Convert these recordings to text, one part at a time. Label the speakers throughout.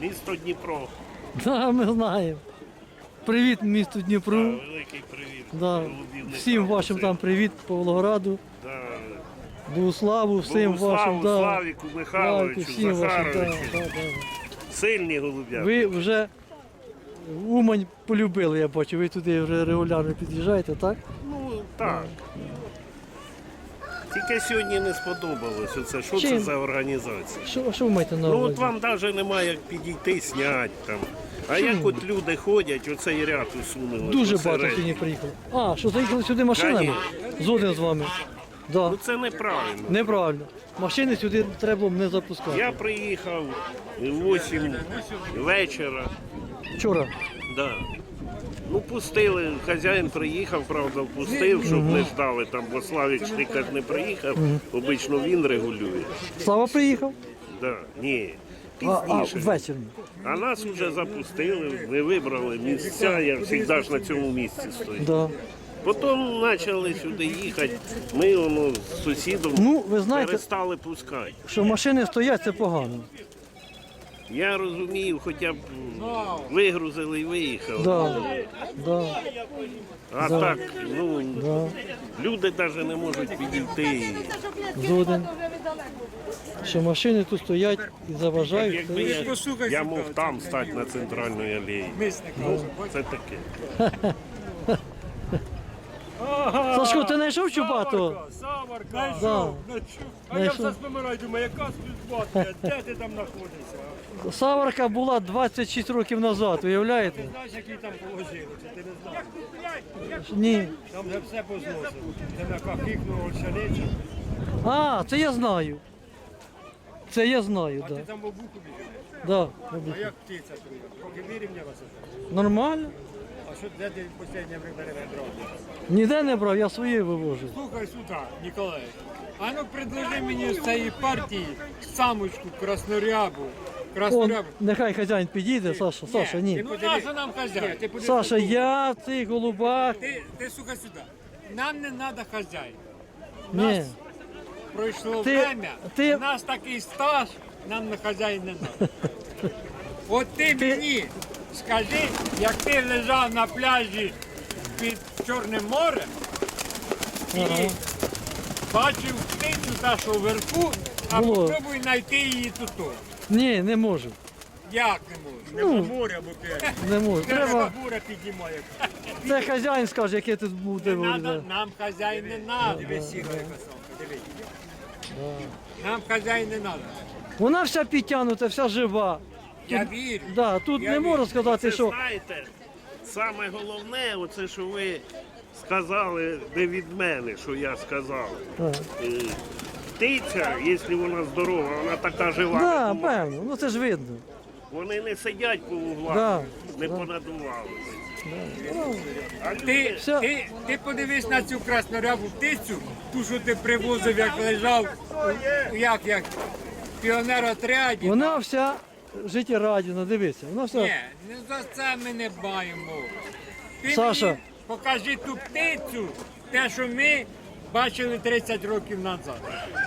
Speaker 1: Місто Дніпро.
Speaker 2: Да, ми знаємо. Привіт місту Дніпру.
Speaker 1: Великий привіт.
Speaker 2: Да.
Speaker 1: Голубівникам.
Speaker 2: Всім вашим там привіт, Павлограду,
Speaker 1: Да.
Speaker 2: Богуславу, всім вашим. Да.
Speaker 1: Славіку, Михайловичу,
Speaker 2: всім вашим. Да,
Speaker 1: Захаровичу.
Speaker 2: да, да.
Speaker 1: Сильні голуб'я.
Speaker 2: Ви вже Умань полюбили, я бачу. Ви туди вже регулярно під'їжджаєте, так?
Speaker 1: Ну, так. Тільки сьогодні не сподобалось оце. Що це
Speaker 2: Чим?
Speaker 1: за організація?
Speaker 2: Що ви маєте на
Speaker 1: Ну
Speaker 2: увазі?
Speaker 1: от вам навіть немає як підійти, зняти там. А як от люди ходять, оцей ряд усунули.
Speaker 2: Дуже
Speaker 1: посеред.
Speaker 2: багато сьогодні приїхало. А, що заїхали сюди машинами? Згоден з вами. Да.
Speaker 1: Ну це неправильно.
Speaker 2: Неправильно. Машини сюди треба було не запускати.
Speaker 1: Я приїхав в 8 вечора.
Speaker 2: Вчора.
Speaker 1: Да. Ну пустили, хазяїн приїхав, правда, впустив, щоб не ждали там, бо Славік Штикар не приїхав, обично він регулює.
Speaker 2: Слава приїхав?
Speaker 1: Да. Ні,
Speaker 2: А
Speaker 1: пізніше.
Speaker 2: ввечері.
Speaker 1: А нас вже запустили, ми вибрали місця, я завжди ж на цьому місці стою.
Speaker 2: Да.
Speaker 1: Потім почали сюди їхати, ми воно з сусідом
Speaker 2: Ну, ви знаєте,
Speaker 1: перестали пускати.
Speaker 2: що машини стоять, це погано.
Speaker 1: Я розумію, хоча б вигрузили і виїхали.
Speaker 2: Да. Да.
Speaker 1: А так, ну,
Speaker 2: Да.
Speaker 1: люди навіть не можуть підійти.
Speaker 2: Згоден. Що машини тут стоять і заважають.
Speaker 1: Якби я мог там стати на центральній алеї. Ну, це таке.
Speaker 2: Сашко, ти знайшов Чубатого?
Speaker 3: Саварка,
Speaker 2: Да.
Speaker 3: знайшов. А я
Speaker 2: Знайшов.
Speaker 3: все спомираю, думаю, яка співбатка, де ти там знаходишся?
Speaker 2: Саварка була 26 років назад, уявляєте?
Speaker 3: Ти знаєш, які там положили, чи ти не знаєш?
Speaker 2: Ні.
Speaker 3: Там вже все позносили. Це на кахикнуло ольшаницю.
Speaker 2: А, це я знаю. Це я знаю,
Speaker 3: А
Speaker 2: так.
Speaker 3: ти там в обуху біжиш.
Speaker 2: Да.
Speaker 3: А як птиця твоя? Поки вирівнялася.
Speaker 2: Нормально.
Speaker 3: А що, де ти в останнє время брав?
Speaker 2: Ніде не брав, я свої вивожу.
Speaker 3: Слухай сюди, Ніколай. А ну предложи мені з цієї партії самочку краснорябу.
Speaker 2: Он,
Speaker 3: Краснорябу.
Speaker 2: нехай хазяїн підійде, Саша, Саша, ні.
Speaker 3: Ну наша нам хазяїн. Ти подивись.
Speaker 2: Саша, я в цих голубах.
Speaker 3: Ти слухай сюди. Нам не треба хазяїн.
Speaker 2: Ні.
Speaker 3: Пройшло
Speaker 2: Ти-
Speaker 3: время,
Speaker 2: ти-
Speaker 3: у нас такий стаж, нам на хазяїн не треба. От ти мені скажи, як ти лежав на пляжі під Чорним морем і бачив птицю та, що вверху, а
Speaker 2: Було.
Speaker 3: попробуй знайти її тут.
Speaker 2: Ні, не можу.
Speaker 3: Як не можеш? Нема моря, бо ти.
Speaker 2: Не можу. Треба.
Speaker 3: буря піднімає.
Speaker 2: Це хазяїн скаже, яке тут буде.
Speaker 3: Нам хазяїн не треба. Диви, сіра яка самка, диви. Нам хазяїн не треба.
Speaker 2: Вона вся підтягнута, вся жива.
Speaker 3: Я вірю.
Speaker 2: Да, тут
Speaker 3: Я
Speaker 2: не можу сказати,
Speaker 1: Це
Speaker 2: що.
Speaker 1: знаєте, саме головне, оце, що ви сказали не від мене, що я сказав.
Speaker 2: Так.
Speaker 1: Птиця, якщо вона здорова, вона така жива.
Speaker 2: Да, певно, ну це ж видно.
Speaker 1: Вони не сидять по углах,
Speaker 2: Да,
Speaker 1: не понадували. А
Speaker 3: Ти,
Speaker 1: люди,
Speaker 2: Все.
Speaker 3: ти подивись на цю краснорябу птицю, ту, що ти привозив, як лежав, як піонер-отряді.
Speaker 2: Вона вся життєрадісна, дивися. Вона вся.
Speaker 3: Ні, не за це ми не баємо. Ти
Speaker 2: Саша.
Speaker 3: мені покажи ту птицю, те, що ми бачили 30 років назад.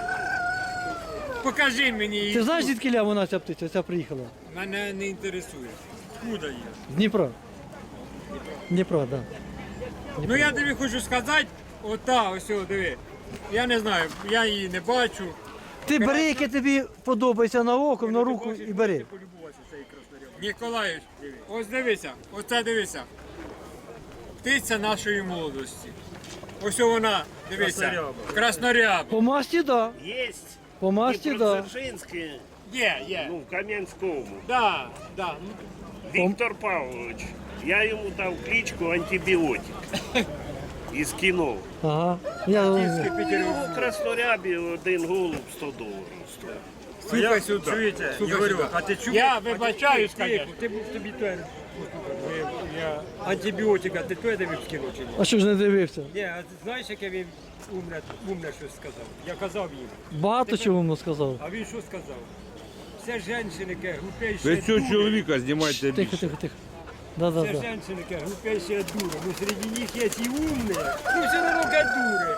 Speaker 3: Покажи мені її.
Speaker 2: Ти знаєш, звідки вона ця птиця, ця приїхала?
Speaker 3: Мене не інтересує. Куди є?
Speaker 2: З Дніпра. Дніпра, так. Да.
Speaker 3: Ну я тобі хочу сказати, ота, ось, о, диви. Я не знаю, я її не бачу.
Speaker 2: Ти бери, яке тобі подобається на око, на руку і бери.
Speaker 3: Ніколаївич, ось дивися, оце дивися. Птиця нашої молодості. Ось вона, дивися, красноряба.
Speaker 2: По масті, так. Да.
Speaker 1: є
Speaker 2: По масті, так. Да.
Speaker 1: Дніпродзержинське,
Speaker 3: Є.
Speaker 1: ну, в Кам'янському.
Speaker 3: Да, да.
Speaker 1: Віктор Павлович, я йому дав кличку антибіотик із кіно.
Speaker 2: Ага. Я...
Speaker 1: Ну, в Краснорябі один голуб $100 стоїть.
Speaker 3: Слухай сюди.
Speaker 4: Чуєте,
Speaker 3: Слухай
Speaker 4: говорю,
Speaker 3: сюди.
Speaker 4: а ти чув?
Speaker 3: Я вибачаюсь, звісно.
Speaker 4: Ти був тобі той антибіотика, ти той дивив скинув чи ні?
Speaker 2: А що ж не дивився?
Speaker 4: Ні, а ти знаєш, яке він умне щось сказав? Я казав їм.
Speaker 2: Багато чого йому сказав.
Speaker 4: А він що сказав? Все жінки, глупейші
Speaker 5: Ви цього
Speaker 4: дури.
Speaker 5: чоловіка знімайте
Speaker 2: Тихо,
Speaker 5: більше.
Speaker 2: тихо, тихо. Да, да,
Speaker 4: Все
Speaker 2: да.
Speaker 4: жінки, глупейші дури. Ну, серед них є і умні. Ну, все одно дури.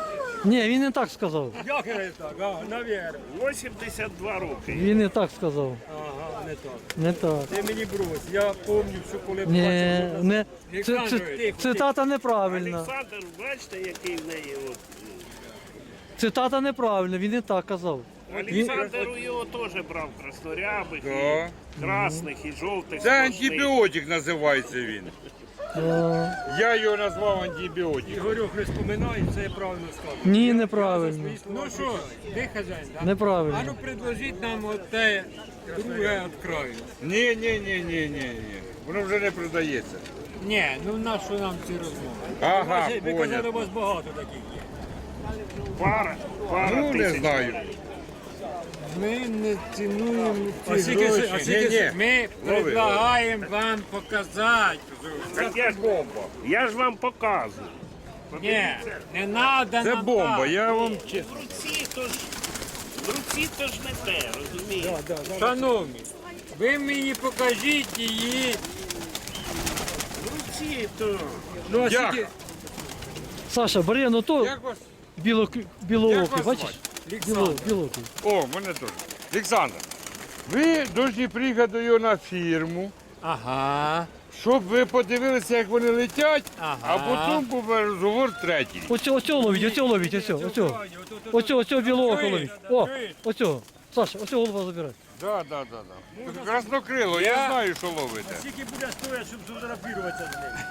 Speaker 2: Ні, він не так сказав.
Speaker 4: Як не так? Навірно.
Speaker 1: 82 роки.
Speaker 2: Він не так сказав.
Speaker 4: Ага, не так.
Speaker 2: Не так.
Speaker 4: Ти мені брось, я пам'ятаю, що коли
Speaker 2: Ні,
Speaker 4: бачив,
Speaker 2: не.
Speaker 4: Олександрович,
Speaker 2: Цитата неправильна.
Speaker 1: Олександр, бачите, який в неї от.
Speaker 2: Цитата неправильна, він не так казав.
Speaker 1: Олександр його теж брав краснорябих,
Speaker 5: Да.
Speaker 1: і красних, і жовтих.
Speaker 5: Це
Speaker 1: сплошних.
Speaker 5: антибіотик називається він. Я його назвав антибіотик.
Speaker 4: Ігорюк не споминає, це я правильно сказав.
Speaker 2: Ні, неправильно.
Speaker 3: Ну що, ти хазяїн, так?
Speaker 2: Неправильно.
Speaker 3: А ну предложіть нам оте друге від краю.
Speaker 5: Ні. Воно вже не продається.
Speaker 3: Ні, ну на що нам ці розмови?
Speaker 5: Ага,
Speaker 4: Ви казали, у
Speaker 5: понял.
Speaker 4: вас багато таких є.
Speaker 1: Пара
Speaker 5: Ну, не
Speaker 1: тисяч.
Speaker 5: знаю.
Speaker 3: Ми не цінуємо
Speaker 4: А
Speaker 3: ці
Speaker 4: скільки-
Speaker 3: гроші.
Speaker 4: а скільки-
Speaker 3: Ми предлагаємо вам показати.
Speaker 1: Так я ж вам показую.
Speaker 3: Ні, не треба
Speaker 5: Це
Speaker 3: нам
Speaker 5: бомба,
Speaker 3: так.
Speaker 5: я вам
Speaker 1: В руці то ж не те, розумієте?
Speaker 3: Шановні, ви мені покажіть її.
Speaker 1: В руці то.
Speaker 4: Ну, а
Speaker 5: Як?
Speaker 4: скільки?
Speaker 2: Саша, бери, ну то
Speaker 5: Як вас?
Speaker 2: білоокий,
Speaker 5: вас
Speaker 2: бачиш? Білоокий.
Speaker 5: О, мене теж. Олександр, ви повинні приїхати до його на фірму,
Speaker 3: Ага.
Speaker 5: щоб ви подивилися, як вони летять,
Speaker 3: Ага.
Speaker 5: а потім був розговор третій.
Speaker 2: Оцього ловіть, оцього білоокого ловіть. О, оцього. Саша, оцього голова забирай.
Speaker 5: Да. Краснокрило, я знаю, що ловите.
Speaker 4: Скільки буде стоїти, щоб фотографуватися з ним?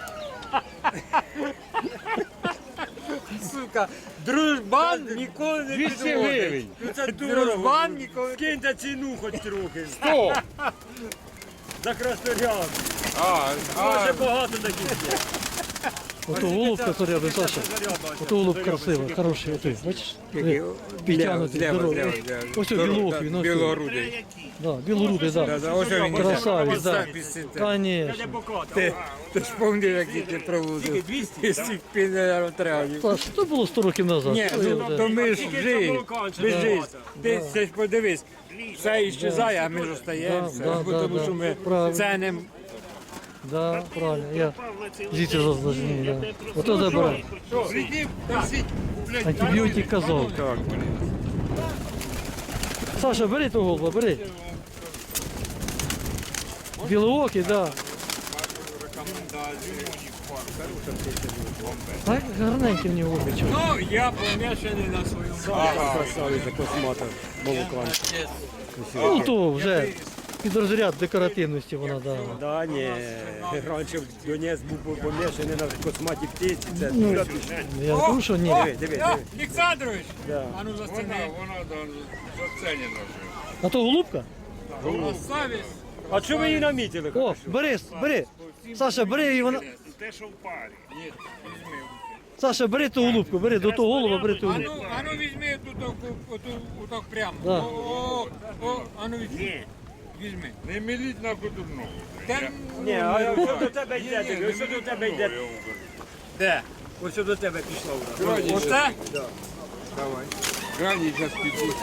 Speaker 3: Сука, дружбан ніколи не
Speaker 5: 200
Speaker 3: підводить.
Speaker 5: гривень.
Speaker 4: Ну це
Speaker 3: Дружбан
Speaker 4: дорого.
Speaker 3: ніколи.
Speaker 4: Скиньте ціну хоч трохи.
Speaker 5: 100.
Speaker 4: За красноряб.
Speaker 5: А,
Speaker 4: Дуже багато таких є.
Speaker 2: Ото голубка заряди, Саша. Ото голуб красивий, хороший, отой, бачиш? Підтягнутий, здоровий. Ось білоокий, ну ось.
Speaker 3: Білогрудий.
Speaker 2: Да, білорудий, да.
Speaker 3: Ось він
Speaker 2: Красавець, да.
Speaker 4: Де
Speaker 2: Конечно.
Speaker 4: покати.
Speaker 3: Ти ж пам'ятаєш, які ти проводив.
Speaker 4: 200?
Speaker 3: Із цих пінеротравів.
Speaker 2: Саш, то було 100 років назад.
Speaker 3: Ні,
Speaker 2: Що я
Speaker 3: ну
Speaker 2: вже?
Speaker 3: то ми ж
Speaker 4: Скільки
Speaker 3: жили.
Speaker 4: це молока, це
Speaker 3: Ми ж жили.
Speaker 4: багато.
Speaker 3: Ти це ж подивись. Все іщезає, а ми ж остаємося.
Speaker 2: Да, да,
Speaker 3: Тому
Speaker 2: да,
Speaker 3: що ми
Speaker 2: правильно.
Speaker 3: ценимо.
Speaker 2: Да, правильно. Я звідси зазначені, да.
Speaker 1: Ну,
Speaker 2: Ото забирай.
Speaker 5: Прийдіть, просіть, блядь,
Speaker 2: Антибіотик казав.
Speaker 5: Так,
Speaker 2: Саша, бери того голуба, бери. Білоокий, да. Так, гарненький в нього обічок.
Speaker 3: Ну, я помішаний на своєму.
Speaker 4: Красавиця космата. Молокан.
Speaker 2: Ну, то вже під розряд декоративності вона, да.
Speaker 4: Да, ні. Раніше Донець був помішаний на косматі птиці. Це
Speaker 2: Я кажу, що ні.
Speaker 4: диви.
Speaker 3: Олександрович,
Speaker 4: Да.
Speaker 3: а ну застини.
Speaker 5: вона зацінена вже.
Speaker 2: А то голубка?
Speaker 3: Красавець.
Speaker 4: А що ви її намітили?
Speaker 2: О, бери. Саша, бери і вона.
Speaker 1: Те, що в парі.
Speaker 2: Саша, бери ту голубку, бери до того голуба, бери ту голубку.
Speaker 3: А ну візьми отак прямо.
Speaker 2: Да.
Speaker 3: А ну візьми. Візьми.
Speaker 5: Не міліть на кудурну.
Speaker 4: Ні, а що до тебе йде? Диви, Що до тебе йде?
Speaker 3: Де?
Speaker 4: Ось що до тебе пішло вже.
Speaker 3: Оце?
Speaker 5: Крайній час підуть.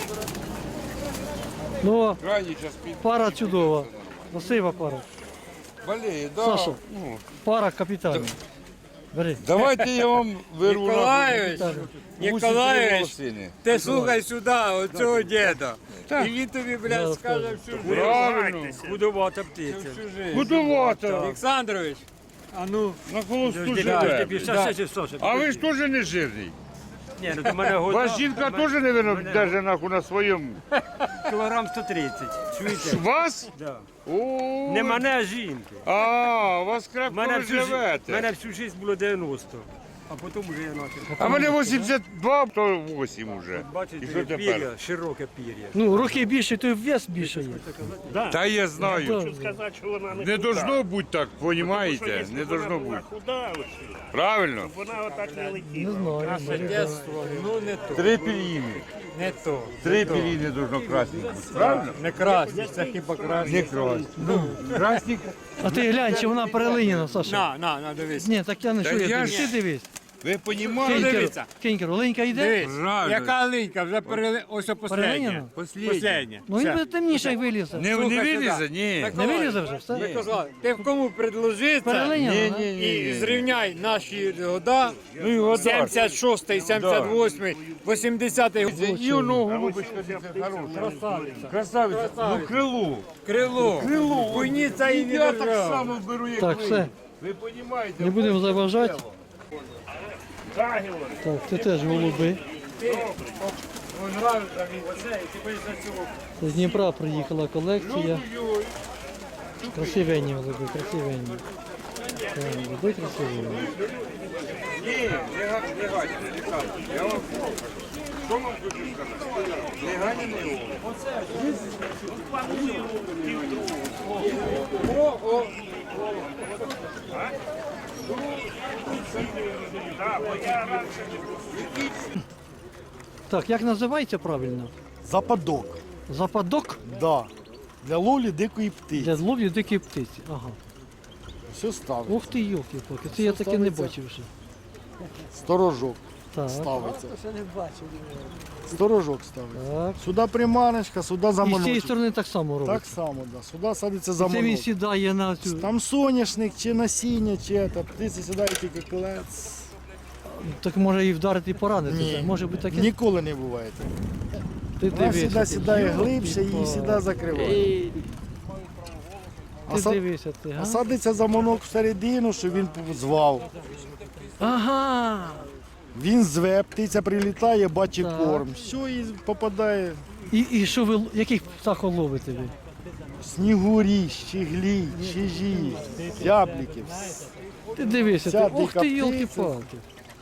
Speaker 2: Ну,
Speaker 5: Крайній час підуть.
Speaker 2: пара чудова. Красива пара.
Speaker 5: Болеє, да.
Speaker 2: Саша.
Speaker 5: Ну,
Speaker 2: Пара капітальна. Бери.
Speaker 5: давайте я вам вирву на
Speaker 3: Ніколаєвич, Ніколаєвич,
Speaker 5: волосини.
Speaker 3: ти слухай сюди, оцього діда. І він тобі, блядь, скаже всю життя.
Speaker 5: Правильно.
Speaker 4: Будувата птиця.
Speaker 5: Будувати.
Speaker 3: Олександрович, а ну,
Speaker 5: На холосту
Speaker 4: Ти
Speaker 5: живе.
Speaker 4: ще Саша.
Speaker 5: А ви ж теж не жирний.
Speaker 4: Ні, ну до мене года.
Speaker 5: Ваша жінка теж, мабуть, держить нахуй на своєму.
Speaker 4: Кілограм 130. Чуєте?
Speaker 5: Вас?
Speaker 4: Да.
Speaker 5: О,
Speaker 4: Не мене, а жінки.
Speaker 5: А, у вас крепко
Speaker 4: Мене
Speaker 5: ви живете.
Speaker 4: мене всю життя було 90. А потім вже я почав.
Speaker 5: А мене 82, то 8 уже. І
Speaker 4: Бачите,
Speaker 5: що тепер?
Speaker 4: пір'я, широке пір'я.
Speaker 2: Ну, руки більше, то й вес більше є.
Speaker 5: Та я знаю.
Speaker 1: Хочу сказати, що вона не
Speaker 5: Не
Speaker 1: худа.
Speaker 5: должно бути так,
Speaker 1: Тому що
Speaker 5: понімаєте?
Speaker 1: якщо
Speaker 5: Не
Speaker 1: б вона
Speaker 5: должно
Speaker 1: була
Speaker 5: бути.
Speaker 1: худа, ось,
Speaker 5: Правильно?
Speaker 1: вона отак не
Speaker 2: Не
Speaker 1: летіла.
Speaker 2: знаю.
Speaker 3: наше
Speaker 2: бери, да.
Speaker 3: дєтство, ну не то,
Speaker 5: Три пір'їни.
Speaker 3: не то.
Speaker 5: Три пір'їни должно красні бути. Правильно?
Speaker 3: Не красні, це хіба красні.
Speaker 5: Не красні. Красні.
Speaker 2: А ти глянь, чи вона перелиняна, Саша.
Speaker 3: На, дивись.
Speaker 2: Ні, так я не
Speaker 5: Та
Speaker 2: що,
Speaker 5: я
Speaker 2: я
Speaker 5: ж-
Speaker 2: ти дивись.
Speaker 5: Ви розумієте?
Speaker 3: Дивіться.
Speaker 2: Кінькер, оленька йде?
Speaker 3: Дивись,
Speaker 5: Правильно.
Speaker 3: яка линька, вже ось
Speaker 2: Перелиняна?
Speaker 3: последня.
Speaker 2: Ну він буде темніше, як вилізе.
Speaker 5: Не
Speaker 3: Слухай
Speaker 5: вилізе?
Speaker 3: сюди.
Speaker 5: Ні.
Speaker 2: Не вилізе вже, все?
Speaker 3: Микола, ти в кому предложи це
Speaker 2: Перелиняна, да?
Speaker 3: і зрівняй наші года,
Speaker 5: Ну і года.
Speaker 3: 76-й, 78-й, 80-й.
Speaker 5: І воно голубочка дивіться, хороша. Красавиця. Ну крило.
Speaker 3: Крило. Куйниця і не
Speaker 5: Я так
Speaker 3: держав.
Speaker 5: само беру, як
Speaker 2: Так,
Speaker 5: ви.
Speaker 2: все.
Speaker 5: Ви розумієте?
Speaker 2: Не будемо заважати. Так, це теж голуби.
Speaker 3: Ой, нравиться мені це, і ти боїшся цього.
Speaker 2: З Дніпра приїхала колекція. Красивенні голуби, красивенні. Так, голуби красивенні.
Speaker 5: Ні, не гані, я вам що вам хочу сказати? Не гані, не голуб.
Speaker 2: Так, як називається правильно?
Speaker 6: Западок,
Speaker 2: Западок
Speaker 6: да. Для ловлі дикої птиці.
Speaker 2: для ловлі дикої птиці. Ага.
Speaker 6: Все ставить.
Speaker 2: Ух ти, йолки-палки, це я таке не бачив вже.
Speaker 6: Сторожок
Speaker 2: Так,
Speaker 6: ставиться. Сторожок ставиться.
Speaker 2: так.
Speaker 6: Сюди приманочка, сюди
Speaker 2: І з цієї
Speaker 6: заманочок.
Speaker 2: сторони так само
Speaker 6: Так
Speaker 2: робиться.
Speaker 6: само, да. Сюди садиться
Speaker 2: Це він
Speaker 6: заманок.
Speaker 2: сідає на цю.
Speaker 6: Там соняшник, чи насіння, чи це. Птиці сідає тільки колець.
Speaker 2: Так може і вдарити, і поранити.
Speaker 6: Ні.
Speaker 2: так? Може бути таке.
Speaker 6: Ніколи не буває.
Speaker 2: Ти
Speaker 6: Вона
Speaker 2: дивися.
Speaker 6: сюди
Speaker 2: ти.
Speaker 6: сідає глибше, її сюди закриває. А,
Speaker 2: Ти дивися ти,
Speaker 6: а
Speaker 2: га?
Speaker 6: садиться заманок всередину, щоб він звав.
Speaker 2: Ага.
Speaker 6: Він зве, птиця прилітає, бачить
Speaker 2: Так.
Speaker 6: корм. Все, і попадає.
Speaker 2: І що ви, яких птахов ловите ви?
Speaker 6: Снігурі, щеглі, чижі, зябліки.
Speaker 2: Ти дивися,
Speaker 6: Вся
Speaker 2: ти. Ох
Speaker 6: дика
Speaker 2: ти,
Speaker 6: птиця.
Speaker 2: йолки-палки.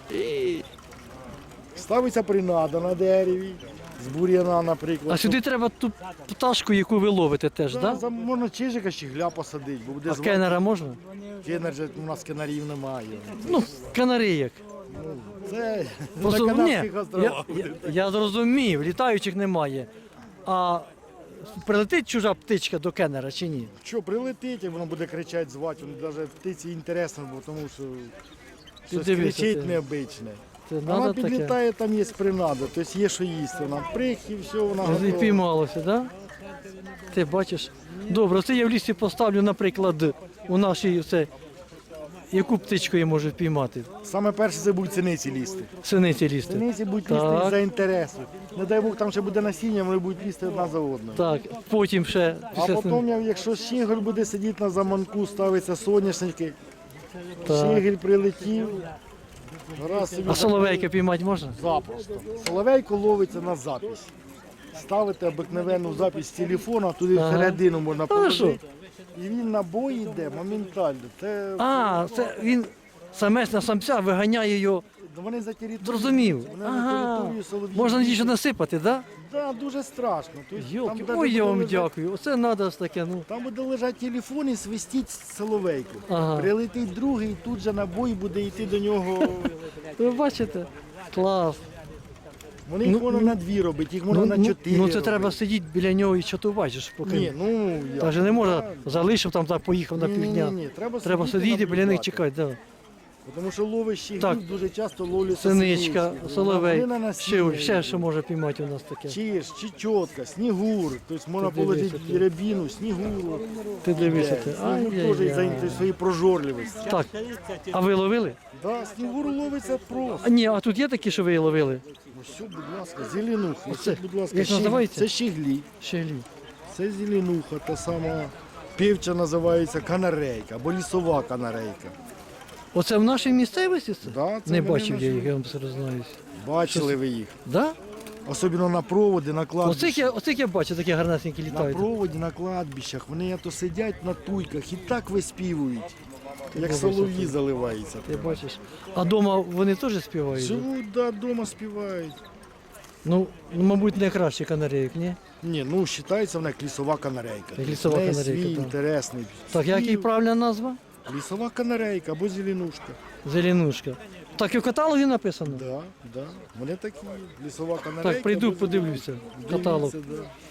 Speaker 6: Ставиться принада на дереві, з бур'яна, наприклад.
Speaker 2: А сюди треба ту пташку, яку ви ловите теж,
Speaker 6: Да,
Speaker 2: так? Да?
Speaker 6: можна чижика, щегля посадити, бо буде
Speaker 2: А
Speaker 6: звати.
Speaker 2: кенера можна?
Speaker 6: Кенер же у нас кенарів немає.
Speaker 2: Ну, канарейок.
Speaker 6: Це на
Speaker 2: Просто, ні,
Speaker 6: Канарських островах.
Speaker 2: я зрозумів, літаючих немає. А прилетить чужа птичка до кенера чи ні?
Speaker 6: Що, прилетить, як воно буде кричати, звати, воно навіть птиці інтересно, бо тому що щось
Speaker 2: дивися,
Speaker 6: кричить
Speaker 2: ти.
Speaker 6: необичне.
Speaker 2: Це
Speaker 6: Вона
Speaker 2: надо таке.
Speaker 6: підлітає, там є принада, тобто є що їсти. Вона прих і все, вона
Speaker 2: І
Speaker 6: готова.
Speaker 2: піймалося, так? Да? Ти бачиш. Добре, це я в лісі поставлю, наприклад, у нашій це. Яку птичку я можу піймати?
Speaker 6: Саме перше це будуть синиці лізти.
Speaker 2: Синиці лізти.
Speaker 6: Синиці будуть
Speaker 2: Так.
Speaker 6: лізти за інтересу. Не дай Бог, там ще буде насіння, вони будуть лізти одна за одною.
Speaker 2: Так, потім ще
Speaker 6: А
Speaker 2: після
Speaker 6: потім, якщо щегель буде сидіти на заманку, ставиться соняшники,
Speaker 2: Так.
Speaker 6: щегель прилетів, раз собі
Speaker 2: А соловейка піймати можна?
Speaker 6: запросто. Соловейко ловиться на запись. Ставите обикновенну запись з телефона, туди
Speaker 2: Ага.
Speaker 6: всередину можна
Speaker 2: Хорошо.
Speaker 6: положити. І він на бой йде моментально. Це
Speaker 2: А, це він самець на самця виганяє його.
Speaker 6: вони за територію.
Speaker 2: Зрозумів.
Speaker 6: Вони
Speaker 2: Ага.
Speaker 6: за територію солов'їв.
Speaker 2: Можна нічого насипати, так?
Speaker 6: Да, дуже страшно. Тобто,
Speaker 2: Йолки,
Speaker 6: там даже
Speaker 2: ой, я
Speaker 6: буде
Speaker 2: вам
Speaker 6: лежати-
Speaker 2: дякую. Оце треба таке, ну.
Speaker 6: Там буде лежати телефон і свистіть соловейку.
Speaker 2: Ага.
Speaker 6: Прилетить другий, тут же на бой буде йти до нього.
Speaker 2: Ви бачите? Клас.
Speaker 6: Вони їх можна на дві робити, їх можна на чотири.
Speaker 2: ну це
Speaker 6: робити.
Speaker 2: треба сидіти біля нього і чатувати, ж поки.
Speaker 6: Ні, ну я.
Speaker 2: Та же не можна залишив там, так поїхав на півдня.
Speaker 6: Ні,
Speaker 2: Треба сидіти біля них
Speaker 6: наблюдати.
Speaker 2: чекати. Да.
Speaker 6: Тому що ловиш
Speaker 2: Так.
Speaker 6: їх дуже часто ловлять
Speaker 2: Синичка, соловей.
Speaker 6: Ще,
Speaker 2: Ще що може піймати у нас таке.
Speaker 6: Чиж, чечотка, снігур. Тобто можна
Speaker 2: Ти дивися,
Speaker 6: положити
Speaker 2: ти.
Speaker 6: рябіну, снігуру.
Speaker 2: Ти дивися. Ти.
Speaker 6: Снігур теж із-за своєї прожорливості.
Speaker 2: Так, а ви ловили?
Speaker 6: Да, снігур ловиться просто.
Speaker 2: А ні, а тут є такі, що ви ловили?
Speaker 6: Ось, будь ласка, зеленуха.
Speaker 2: Оце,
Speaker 6: Ось, будь ласка,
Speaker 2: як називається?
Speaker 6: Це щеглі.
Speaker 2: Щеглі.
Speaker 6: Це зеленуха, та сама півча називається канарейка або лісова канарейка.
Speaker 2: Оце в нашій місцевості це?
Speaker 6: Да, це
Speaker 2: Не
Speaker 6: вони
Speaker 2: бачив я
Speaker 6: наші.
Speaker 2: їх, я вам признаюсь.
Speaker 6: Бачили ви їх.
Speaker 2: Да?
Speaker 6: Особливо на проводи, на кладбищах.
Speaker 2: Оцих я бачу, такі гарнесенькі
Speaker 6: На
Speaker 2: літають.
Speaker 6: проводі, на кладбищах. Вони то сидять на туйках і так виспівують, як
Speaker 2: дивися,
Speaker 6: солов'ї заливаються.
Speaker 2: Ти бачиш. А вдома вони теж співають?
Speaker 6: Живуть, да, вдома співають.
Speaker 2: Ну, мабуть, не краще канарейок, ні?
Speaker 6: Ні, ну вважається вона як лісова канарейка.
Speaker 2: Як лісова
Speaker 6: В неї
Speaker 2: канарейка,
Speaker 6: свій
Speaker 2: так.
Speaker 6: інтересний.
Speaker 2: Так, як її
Speaker 6: спів.
Speaker 2: правильна назва?
Speaker 6: Лісова канарейка або зеленушка.
Speaker 2: Зеленушка. Так і в каталогі написано?
Speaker 6: Да, да. Вони такі. Лісова канарейка.
Speaker 2: Так, прийду,
Speaker 6: або
Speaker 2: подивлюся.
Speaker 6: зеленушка.
Speaker 2: Каталог.
Speaker 6: Дивіться, да.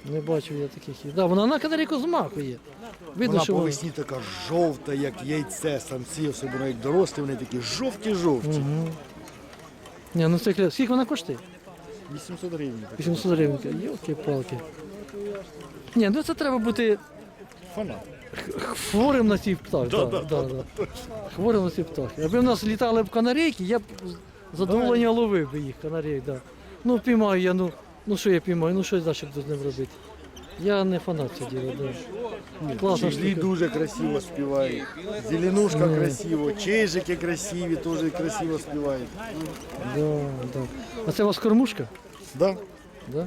Speaker 2: Не бачив я таких. Да, вона на канарейку змахує. Видно,
Speaker 6: Вона
Speaker 2: що
Speaker 6: по
Speaker 2: вона.
Speaker 6: весні така жовта, як яйце, самці, особливо як дорослі, вони такі жовті-жовті.
Speaker 2: Ні, ну це скільки вона коштує?
Speaker 6: 800 гривень. так.
Speaker 2: 800 гривень. Йолки-палки. Ні, ну це треба бути
Speaker 6: Фанат.
Speaker 2: хворим на ці птахи. Да. Хворим на ці птахи. Якби в нас літали б канарейки, я б з задоволення ловив би їх, канарейк, да. Ну піймаю я, ну що я піймаю, ну що далі буду з ним робити. Я не фанат цього діла, да. Класна
Speaker 6: Чижлі
Speaker 2: штука.
Speaker 6: дуже красиво співають. Зеленушка красиво, чижики красиві, теж красиво співають.
Speaker 2: Да. А це у вас кормушка?
Speaker 6: Да?
Speaker 2: Да?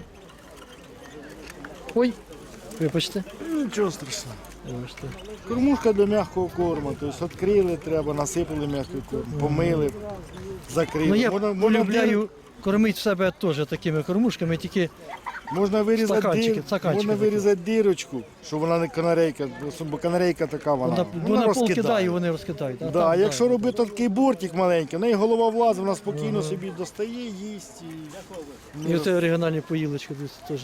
Speaker 2: Ой, вибачте.
Speaker 6: Нічого страшного.
Speaker 2: Вибачте.
Speaker 6: Кормушка для м'якого корму. Тобто відкрили, треба, насипали м'який корм, помили, закрили.
Speaker 2: Ну я
Speaker 6: Можна
Speaker 2: полюбляю кормити себе теж такими кормушками, тільки
Speaker 6: Можна вирізати,
Speaker 2: стаканчики
Speaker 6: можна
Speaker 2: такі.
Speaker 6: вирізати дирочку, щоб вона не канарейка, бо канарейка така вона
Speaker 2: вона пол кидає і вони розкидають.
Speaker 6: Да,
Speaker 2: там,
Speaker 6: а якщо робити такий бортик маленький, в неї голова влазить, вона спокійно собі достає, їсть і
Speaker 2: І оце оригінальні поїлочки теж.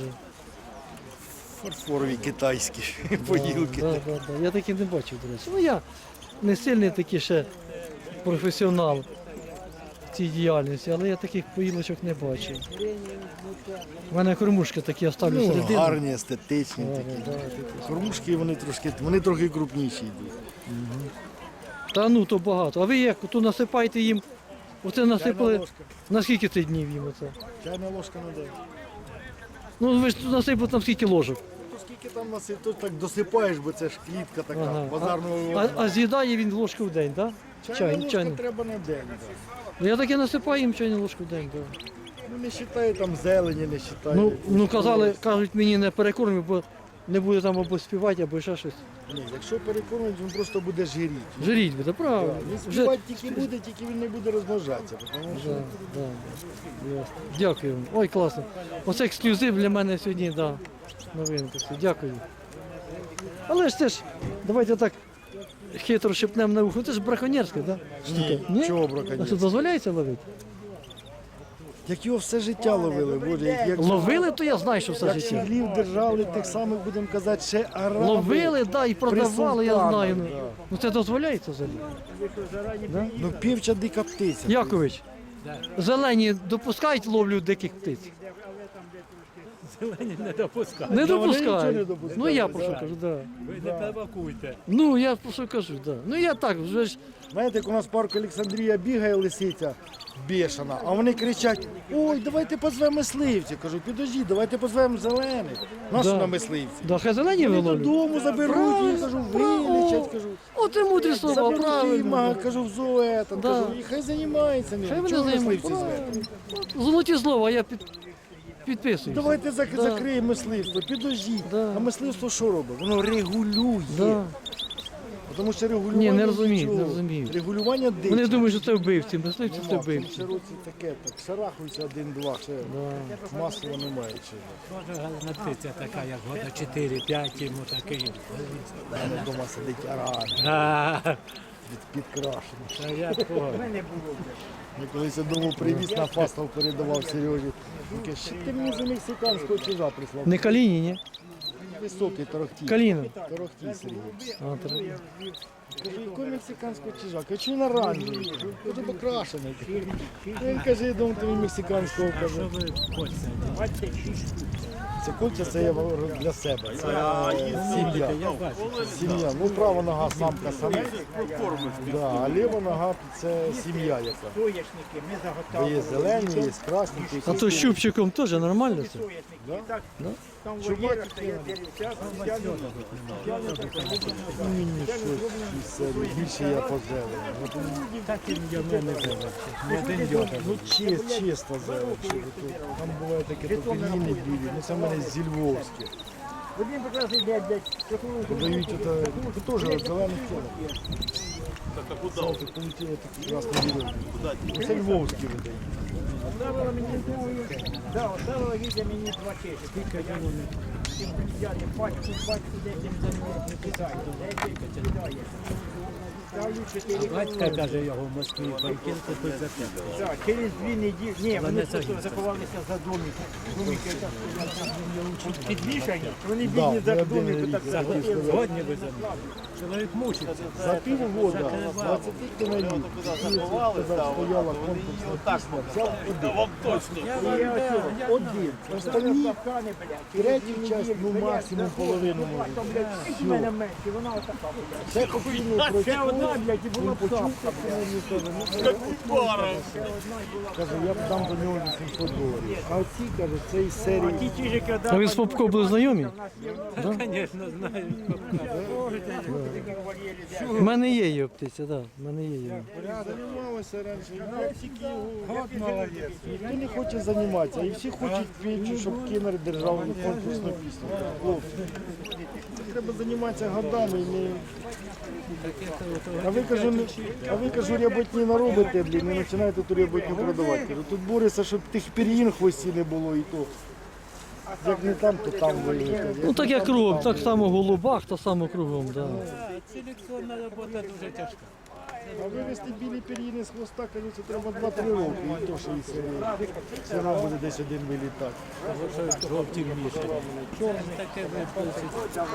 Speaker 6: фарфорові китайські поїлки.
Speaker 2: Да. Я таких не бачив, до речі. Ну я не сильний такий ще професіонал в цій діяльності, але я таких поїлочок не бачив. У мене кормушки такі, я ставлю
Speaker 6: Ну,
Speaker 2: середину.
Speaker 6: гарні, естетичні такі. Кормушки вони трохи крупніші йдуть.
Speaker 2: Та ну то багато. А ви як тут насипаєте їм? Оце насипали.
Speaker 6: ложка.
Speaker 2: На скільки це днів їм оце?
Speaker 6: Чайна ложка не дає.
Speaker 2: Ну ви ж тут насипали там скільки ложок.
Speaker 6: То скільки там насип, то так досипаєш, бо це ж клітка така,
Speaker 2: Ага.
Speaker 6: базарного.
Speaker 2: А з'їдає він ложку в день, так?
Speaker 6: Чайна ложка
Speaker 2: Чайну.
Speaker 6: треба на день. Да.
Speaker 2: Ну я таки насипаю їм чайну ложку в день. Да.
Speaker 6: Ну не вважаю там зелені, не вважаю.
Speaker 2: Ну кажуть мені не перекормлю, бо не буде там або співати, або ще щось.
Speaker 6: Ні, якщо перекормить, він просто буде жиріти.
Speaker 2: Жиріть буде, правильно.
Speaker 6: Він
Speaker 2: Вже-
Speaker 6: співати тільки буде, тільки він не буде розмножатися. Тому що
Speaker 2: Да. Ясно. Дякую вам. Ой, класно. Оце ексклюзив для мене сьогодні, да. Новинка. Все. Дякую. Але ж це ж, давайте так хитро шепнемо на ухо. Це ж браконьєрське, так?
Speaker 6: Ні, чого
Speaker 2: А що
Speaker 6: браконьєрське?
Speaker 2: дозволяється ловити?
Speaker 6: Як його все життя ловили, Боже, як
Speaker 2: Ловили, то я знаю, що все
Speaker 6: як
Speaker 2: життя.
Speaker 6: щеглів держали, тих самих, будемо казати, ще араби.
Speaker 2: Ловили, да, і продавали, я
Speaker 6: султанах,
Speaker 2: знаю.
Speaker 6: да.
Speaker 2: Ну це дозволяється взагалі.
Speaker 6: Ну півча дика птиця.
Speaker 2: Якович, зелені допускають ловлю диких птиць?
Speaker 4: Зелені не допускають.
Speaker 2: Не
Speaker 6: Да, вони нічого не
Speaker 2: допускають.
Speaker 6: допускають,
Speaker 2: Ну я
Speaker 6: да.
Speaker 2: про що кажу, так.
Speaker 4: Ви не провокуйте.
Speaker 2: Ну я про що кажу, так. Ну я так, вже ж.
Speaker 6: Знаєте, як у нас в парку Олександрія бігає лисиця бешена, а вони кричать: ой, давайте позвемо мисливців. Кажу, підожди, давайте позвемо зелених. Нащо
Speaker 2: Да.
Speaker 6: на мисливців?
Speaker 2: Да, хай зелені
Speaker 6: Вони
Speaker 2: виловлюють.
Speaker 6: додому заберуть їх, кажу, вилічать, кажу.
Speaker 2: От і мудрі слова,
Speaker 6: Заберуть їх,
Speaker 2: правильно.
Speaker 6: кажу, в зоe, там,
Speaker 2: Да.
Speaker 6: кажу, і хай займаються ним.
Speaker 2: Хай вони
Speaker 6: Чого
Speaker 2: займаються.
Speaker 6: мисливці звати?
Speaker 2: Золоті слова, я підписуюсь.
Speaker 6: Давайте
Speaker 2: Да.
Speaker 6: закриємо мисливство, підождіть.
Speaker 2: Да.
Speaker 6: А мисливство що робить? Воно регулює.
Speaker 2: Да.
Speaker 6: Тому що регулювання
Speaker 2: Ні, не розуміють,
Speaker 6: нічого.
Speaker 2: не розуміють.
Speaker 6: Регулювання дичі.
Speaker 2: Вони думають, що це вбивці, мисливці це
Speaker 6: Нема, в
Speaker 2: вбивці.
Speaker 6: цьому році таке, так шарахуються один-два, ще масово немає чого.
Speaker 4: Може галина птиця така, як года 4-5 йому такий.
Speaker 6: Мене вдома сидить аран,
Speaker 4: А,
Speaker 6: підкрашений.
Speaker 4: та я понял.
Speaker 6: Я колись одному привіз на фастал, передавав Сережі. Він каже, що ти мені за мексиканського чижа прислав?
Speaker 2: Не Каліні, ні?
Speaker 6: Високий торохтій.
Speaker 2: Каліна.
Speaker 6: Торохтій Сергій.
Speaker 2: А, так.
Speaker 6: Кажу, якого мексиканського чижа? Кажу, чи він оранжевий? Кажу, покрашений. Він каже, я думаю, тобі мексиканського кажу. Це кольця, це я для себе. Це сім'я. Сім'я. Ну, права нога самка самець. Да, а ліва нога це сім'я яка. Бо є зелені, є красні.
Speaker 2: А то з щупчиком теж нормально це?
Speaker 6: Чубатики. Мені щось із серії. Більше я по зелені.
Speaker 4: Так і я не зелень. Не один йода.
Speaker 6: Ну, чисто зелень. Там буває таке попеліни білі. Ну, це в мене зі Львовське. Подають це теж от зелених тіло. Це полетіло такі красні білі. Це Львовські видають.
Speaker 7: Оставила Вітя мені 2 чешки. Взяли пачку, десь не кидай. ставлю 4
Speaker 4: Батька каже його в Москві, банкір купить за тебе.
Speaker 7: Так, через 2 неділі. Ні, вони просто заховалися за домики. Домики так підвішані. Вони бідні за домики так захотіли.
Speaker 4: Згодні ви за мною. Чоловік мучиться.
Speaker 6: За півгода 20 тонарів стояла конкурсна пісня, взяв один. Останні третю часть, ну максимум половину може.
Speaker 7: У мене менше, вона отака.
Speaker 6: Це покійний
Speaker 7: Ще одна, блядь, і була б
Speaker 6: почув, каже, я б дам за нього $800. А оці, каже, це із серії.
Speaker 7: Ті чижики,
Speaker 2: А ви з Попко були знайомі?
Speaker 4: Звісно, знаю.
Speaker 2: У мене є її птиця, так. У мене є її.
Speaker 6: Займалися раніше, тільки його. Ніхто не хоче займатися, і всі хочуть піти, щоб Кінер держав конкурсну пісню. Хлопці, це треба займатися годами. А ви, кажу, ряботні наробите, блін, і починаєте ту ряботню продавати. Кажу, тут бореться, щоб тих пір'їн в хвості не було і то. Як не там, то там виїхати.
Speaker 2: Ну так як кругом, так само в голубах, так само кругом, так.
Speaker 4: Селекціонна робота дуже тяжка.
Speaker 6: А вивезти білі пір'їни з хвоста, кажу, це треба 2-3 роки, і то, що і все одно буде десь один вилітати.
Speaker 4: Жовті мішані. Чорне таке випустить.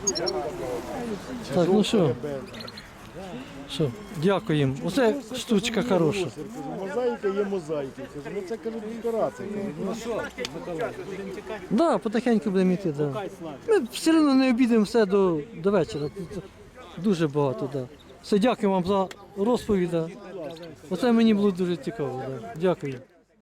Speaker 2: Так, ну що, дякуємо. Оце штучка хороша.
Speaker 6: Кажу, мозаїка є мозаїки. Кажу, ну це, кажу, декорація.
Speaker 4: Ну що, Миколай, будемо тікати?
Speaker 2: Да, потихеньку будемо йти, да. Ми все одно не обійдемо все до вечора. Тут дуже багато, да. Все, дякую вам за розповідь. Да. Оце мені було дуже цікаво. Да. Дякую.